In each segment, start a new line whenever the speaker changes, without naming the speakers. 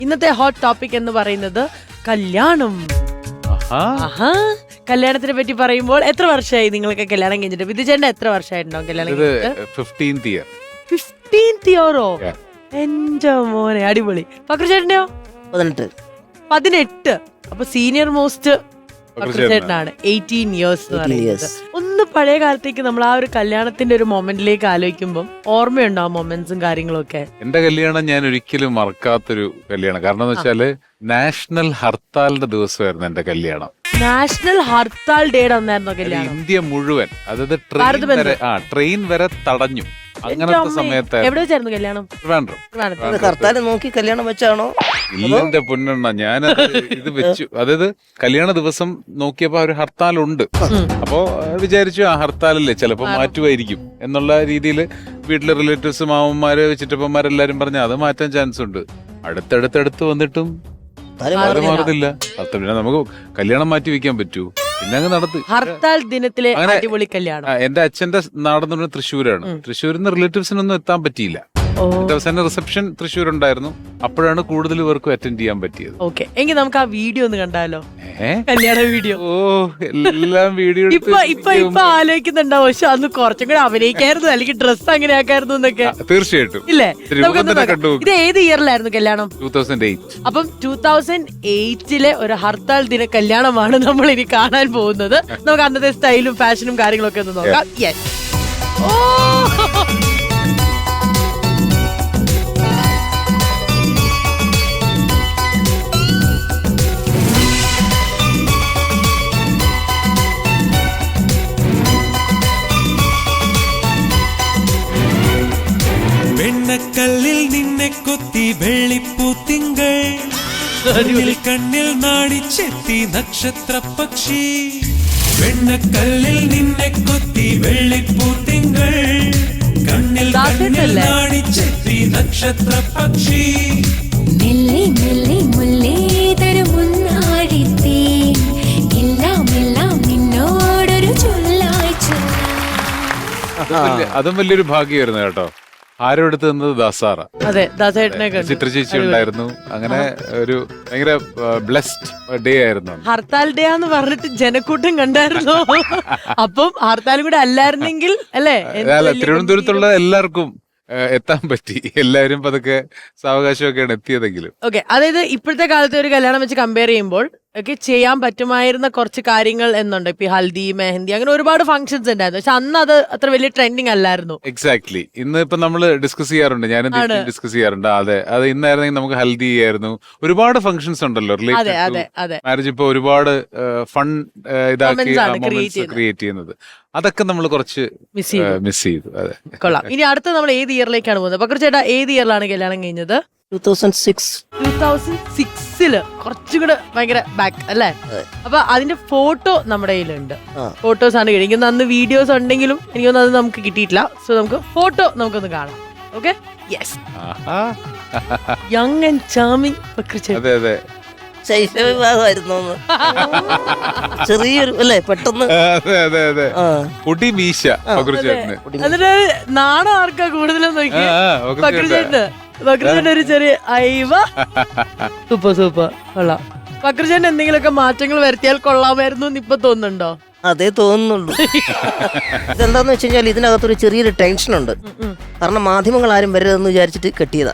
ഇന്നത്തെ hot topic എന്ന് പറയുന്നത് കല്യാണം. കല്യാണത്തിനെ പറ്റി പറയുമ്പോൾ എത്ര വർഷമായി നിങ്ങൾക്ക് കല്യാണം കഴിഞ്ഞിട്ട്? വിധുചേട്ടൻ എത്ര വർഷമായിട്ടുണ്ടോ കല്യാണം കഴിഞ്ഞിട്ട്?
15th
ഇയറോ? എന്റെ മോനെ അടിപൊളി. പക്രുചേട്ടനെയോ? 18. അപ്പൊ സീനിയർ മോസ്റ്റ് പക്രുചേട്ടനാണ്. 18 years എന്ന് പറയുന്നത്. ഒന്ന് പഴയ കാലത്തേക്ക് നമ്മൾ ആ ഒരു കല്യാണത്തിന്റെ ഒരു മൊമെന്റിലേക്ക് ആലോചിക്കുമ്പോൾ ഓർമ്മയുണ്ടോ ആ മൊമെന്റ്സും കാര്യങ്ങളും ഒക്കെ?
എന്റെ കല്യാണം ഞാൻ ഒരിക്കലും മറക്കാത്തൊരു കല്യാണം. കാരണം എന്ന് വെച്ചാല് നാഷണൽ ഹർത്താലിന്റെ ദിവസമായിരുന്നു എന്റെ കല്യാണം.
നാഷണൽ ഹർത്താൽ ഡേയുടെ അന്നായിരുന്നോ കല്യാണം?
ഇന്ത്യ മുഴുവൻ, അതായത് ട്രെയിൻ വരെ തടഞ്ഞു. അങ്ങനത്തെ സമയത്ത്
എവിടെ വെച്ചായിരുന്നു കല്യാണം?
ഹർത്താൽ നോക്കി കല്യാണം വെച്ചാണോ?
ഇല്ല എന്റെ പൊന്നെണ്ണ, ഞാനത് ഇത് വെച്ചു. അതായത് കല്യാണ ദിവസം നോക്കിയപ്പോ ഒരു ഹർത്താലുണ്ട്. അപ്പോ വിചാരിച്ചു ആ ഹർത്താലല്ലേ ചിലപ്പോ മാറ്റുമായിരിക്കും എന്നുള്ള രീതിയിൽ വീട്ടിലെ റിലേറ്റീവ്സ്, മാമന്മാര്, ചിറ്റപ്പന്മാരെല്ലാരും പറഞ്ഞ അത് മാറ്റാൻ ചാൻസ് ഉണ്ട്. അടുത്തടുത്തടുത്ത് വന്നിട്ടും അത് മാറുന്നില്ല. പിന്നെ നമുക്ക് കല്യാണം മാറ്റി വെക്കാൻ പറ്റൂ? പിന്നെ അങ്ങ് നടത്തി.
ഹർത്താൽ ദിനത്തിലെ അടിപൊളി കല്യാണം.
എന്റെ അച്ഛന്റെ നാടെന്ന് പറഞ്ഞാൽ തൃശ്ശൂരാണ്. തൃശ്ശൂരിൽ നിന്ന് റിലേറ്റീവ്സിനൊന്നും എത്താൻ പറ്റിയില്ല. എന്റെ റിസപ്ഷൻ തൃശ്ശൂർ ഉണ്ടായിരുന്നു. അപ്പോഴാണ് കൂടുതൽ പേർക്കും അറ്റൻഡ് ചെയ്യാൻ പറ്റിയത്.
ഓക്കെ, എങ്കിൽ നമുക്ക് ആ വീഡിയോ ഒന്ന് കണ്ടാലോ? കല്യാണ വീഡിയോ.
ഓ, എല്ലാം വീഡിയോ
ഇപ്പൊ ആലോചിക്കുന്നുണ്ടാവും, പക്ഷെ അന്ന് കുറച്ചും കൂടെ അഭിനയിക്കായിരുന്നു, അല്ലെങ്കിൽ ഡ്രസ് അങ്ങനെ ആക്കായിരുന്നു എന്നൊക്കെ.
തീർച്ചയായിട്ടും
ഇല്ലേ? ഇത് ഏത് ഇയറിലായിരുന്നു കല്യാണം?
2008.
അപ്പം 2008 ഒരു ഹർത്താൽ ദിന കല്യാണമാണ് നമ്മൾ ഇനി കാണാൻ പോകുന്നത്. നമുക്ക് അന്നത്തെ സ്റ്റൈലും ഫാഷനും കാര്യങ്ങളൊക്കെ ഒന്ന് നോക്കാം. യെസ്.
വെണ്ണക്കല്ലിൽ നിന്നെ കൊത്തി വെള്ളിപ്പൂത്തിങ്കൾ, കണ്ണിൽ നാടിച്ചെത്തി നക്ഷത്ര പക്ഷി. വെണ്ണക്കല്ലിൽ നിന്നെ കൊത്തി വെള്ളിപ്പൂത്തിങ്കൾ, കണ്ണിൽ നാടിച്ചെത്തി നക്ഷത്ര പക്ഷി.
മെല്ലെ മെല്ലെ മുല്ലേ തരുമുന്നാടിത്തേ, എല്ലാം എല്ലാം നിന്നോടൊരു ചൊല്ലായി.
അതും വലിയൊരു ഭാഗ്യമായിരുന്നു കേട്ടോ. ആരും എടുത്ത് തന്നത് ദാസാറ.
അതെ, ദാസേട്ടനെ
ചിത്ര ചേച്ചി ഉണ്ടായിരുന്നു. അങ്ങനെ ഒരു ഭയങ്കര ബ്ലെസ്ഡ് ഡേ ആയിരുന്നു.
ഹർത്താൽ ഡേ എന്ന് പറഞ്ഞിട്ട് ജനക്കൂട്ടം കണ്ടായിരുന്നു. അപ്പം ഹർത്താൽ കൂടെ അല്ലായിരുന്നെങ്കിൽ അല്ലേ?
തിരുവനന്തപുരത്തുള്ള എല്ലാവർക്കും എത്താൻ പറ്റി. എല്ലാവരും പതുക്കെ സാവകാശമൊക്കെയാണ് എത്തിയതെങ്കിലും.
ഓക്കെ, അതായത് ഇപ്പോഴത്തെ കാലത്തെ ഒരു കല്യാണം വെച്ച് കമ്പയർ ചെയ്യുമ്പോൾ ഒക്കെ ചെയ്യാൻ പറ്റുമായിരുന്ന കുറച്ച് കാര്യങ്ങൾ എന്നുണ്ട്. ഇപ്പൊ ഹൽദി, മെഹന്തി, അങ്ങനെ ഒരുപാട് ഫംഗ്ഷൻസ് ഉണ്ടായിരുന്നു. പക്ഷെ അന്ന് അത് അത്ര വലിയ ട്രെൻഡിങ് അല്ലായിരുന്നു.
എക്സാക്ട്ലി. ഇന്ന് ഇപ്പൊ നമ്മള് ഡിസ്കസ് ചെയ്യാറുണ്ട്, ഞാനും ഡിസ്കസ് ചെയ്യാറുണ്ട്. അതെ, അത് ഇന്നായിരുന്നെങ്കിൽ നമുക്ക് ഹൽദി ആയിരുന്നു. ഒരുപാട് ഫംഗ്ഷൻസ് ഉണ്ടല്ലോ റിലേറ്റഡ് മാരേജ്. ഇപ്പൊ ഒരുപാട് ഫൺ ഇതാക്കി ക്രിയേറ്റ് ചെയ്യുന്നത്. അതൊക്കെ നമ്മൾ കുറച്ച് മിസ് ചെയ്തു. അതെ,
കൊള്ളാം. ഇനി അടുത്ത നമ്മൾ ഏത് ഇയറിലേക്കാണ് പോകുന്നത്? പക്രു ചേട്ടാ, ഏത് ഇയറിലാണ് കല്യാണം കഴിഞ്ഞത്?
2006
കുറച്ചുകൂടെ ഭയങ്കര ബാക്ക് അല്ലേ? അപ്പൊ അതിന്റെ ഫോട്ടോ നമ്മുടെ കയ്യിലുണ്ട്. ഫോട്ടോസ് ആണ് കഴിക്കുന്നത്. അന്ന് വീഡിയോസ് ഉണ്ടെങ്കിലും എനിക്കൊന്നും അത് നമുക്ക് കിട്ടിയിട്ടില്ല. സോ നമുക്ക് ഫോട്ടോ നമുക്കൊന്ന് കാണാം. Okay, yes. Young and charming Pakru.
അതെ അതെ,
ശൈശവവിവാഹമായിരുന്നു. ചെറിയൊരു അല്ലേ, പെട്ടെന്ന്.
അതെ അതെ അതെ, പൊടി മീശ പക്രുചേട്ടന്.
അതിന് നാണം ആർക്കാ കൂടുതലും നോക്കി? പക്രുചേട്ടന്. പക്രുചേട്ടൻ ഒരു ചെറിയ അയവ. സൂപ്പർ സൂപ്പർ, കൊള്ളാം. പക്രുചേട്ടൻ എന്തെങ്കിലുമൊക്കെ മാറ്റങ്ങൾ വരുത്തിയാൽ കൊള്ളാമായിരുന്നു എന്ന് ഇപ്പൊ തോന്നുന്നുണ്ടോ?
അതേ തോന്നുന്നുള്ളൂ. ഇതെന്താന്ന് വെച്ച് കഴിഞ്ഞാൽ ഇതിനകത്തൊരു ചെറിയൊരു ടെൻഷൻ ഉണ്ട്. കാരണം മാധ്യമങ്ങൾ ആരും വരരുതെന്ന് വിചാരിച്ചിട്ട് കെട്ടിയതാ.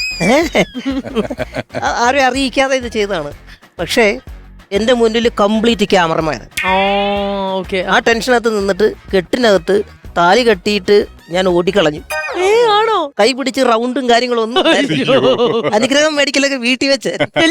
ആരും അറിയിക്കാതെ ഇത് ചെയ്തതാണ്. പക്ഷേ എന്റെ മുന്നിൽ കംപ്ലീറ്റ് ക്യാമറമാൻ. ആ ടെൻഷനകത്ത് നിന്നിട്ട് കെട്ടിനകത്ത് താലി കെട്ടിയിട്ട് ഞാൻ ഓടിക്കളഞ്ഞു.
ആണോ?
കൈ പിടിച്ച് റൗണ്ടും കാര്യങ്ങളും ഒന്നും. അനുഗ്രഹം മേടിക്കലൊക്കെ വീട്ടിൽ വെച്ച്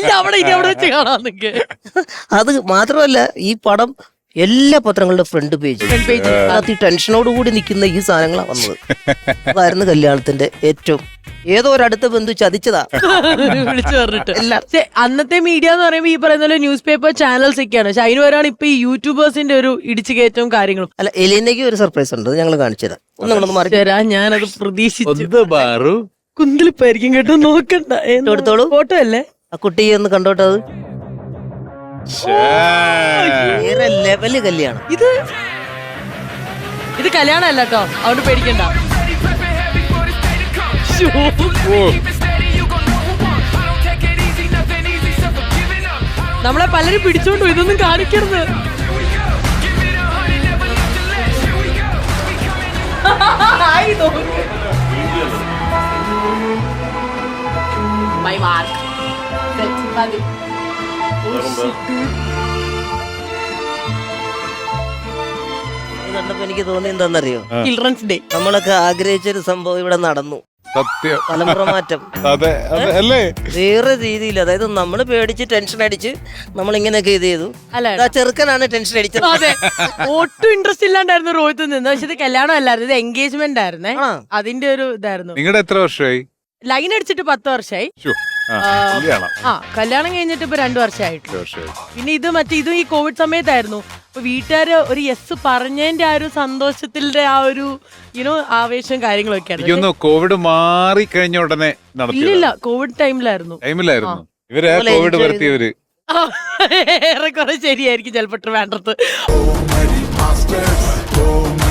അത് മാത്രമല്ല, ഈ പടം എല്ലാ പത്രങ്ങളുടെ ഫ്രണ്ട് പേജ് അതിനകത്ത് ടെൻഷനോടുകൂടി നിൽക്കുന്ന ഈ സാധനങ്ങളാണ് വന്നത്. അതായിരുന്നു കല്യാണത്തിന്റെ ഏറ്റവും. ഏതോ ഒരടുത്ത ബന്ധു ചതിച്ചതാ
വിളിച്ചു പറഞ്ഞിട്ട്. അന്നത്തെ മീഡിയ എന്ന് പറയുമ്പോൾ ഈ പറയുന്ന പോലെ ന്യൂസ് പേപ്പർ ചാനൽസ് ഒക്കെയാണ്. പക്ഷെ അതിന് വരാണ് ഇപ്പൊ ഈ യൂട്യൂബേഴ്സിന്റെ ഒരു ഇടിച്ചു കയറ്റവും കാര്യങ്ങളും.
അല്ല, എലീനയ്ക്ക് ഒരു സർപ്രൈസ് ഉണ്ട്, ഞങ്ങൾ കാണിച്ചു തരാം.
ഞാനത് പ്രതീക്ഷിച്ചു.
കുന്തളിപ്പായിരിക്കും കേട്ടോ, നോക്കണ്ട. എടുത്തോളൂ, ഫോട്ടോ അല്ലേ. ആ കുട്ടിയെ ഒന്ന് കണ്ടോട്ടെ. അത് വേറെ ലെവല് കല്യാണം.
ഇത് കല്യാണം അല്ല കേട്ടോ, അതുകൊണ്ട് പേടിക്കണ്ട. നമ്മളെ പലരും പിടിച്ചോണ്ടു ഇതൊന്നും കാണിക്കരുത്.
ഇത് കണ്ടപ്പോ എനിക്ക് തോന്നി എന്താണെന്നറിയോ,
ചിൽഡ്രൻസ് ഡേ.
നമ്മളൊക്കെ ആഗ്രഹിച്ചൊരു സംഭവം ഇവിടെ നടന്നു.
സത്യം.
തലമുറ മാറ്റം
അതെ അല്ലേ?
വേറെ രീതിയിൽ, അതായത് നമ്മൾ പേടിച്ച് ടെൻഷൻ അടിച്ച് നമ്മൾ ഇങ്ങനെയൊക്കെ ഇത് ചെയ്തു.
അല്ല
ആ ചെറുക്കനാണ് ടെൻഷൻ അടിച്ചത്.
അതെ, ഒട്ടും ഇൻട്രസ്റ്റ് ഇല്ലാണ്ടായിരുന്നു റോഹിത്ത് നിന്ന്. പക്ഷെ ഇത് കല്യാണം അല്ലായിരുന്നു, ഇത് എൻഗേജ്മെന്റ് ആയിരുന്നേ.
ആ.
അതിന്റെ ഒരു ഇതായിരുന്നു.
നിങ്ങളുടെ എത്ര വർഷമായി?
ലൈൻ അടിച്ചിട്ട് 10 വർഷമായി.
കല്യാണം
കല്യാണം കഴിഞ്ഞിട്ട് ഇപ്പൊ 2 വർഷമായിട്ടു.
വർഷമായി.
പിന്നെ ഇത് ഇതും ഈ കോവിഡ് സമയത്തായിരുന്നു. അപ്പൊ വീട്ടുകാര് ഒരു യെസ് പറഞ്ഞതിന്റെ ആ ഒരു സന്തോഷത്തിന്റെ ആ ഒരു ആവേശം കാര്യങ്ങളൊക്കെയാണ്.
എനിക്കൊന്ന് കോവിഡ് മാറി കഴിഞ്ഞ ഉടനെ
ഇല്ലില്ല, കോവിഡ് ടൈമിലായിരുന്നു.
ടൈമിലായിരുന്നു ഇവര് കോവിഡ് വരുത്തിയവര്.
ഏറെക്കുറെ ശരിയായിരിക്കും ചിലപ്പോ വേണ്ടത്.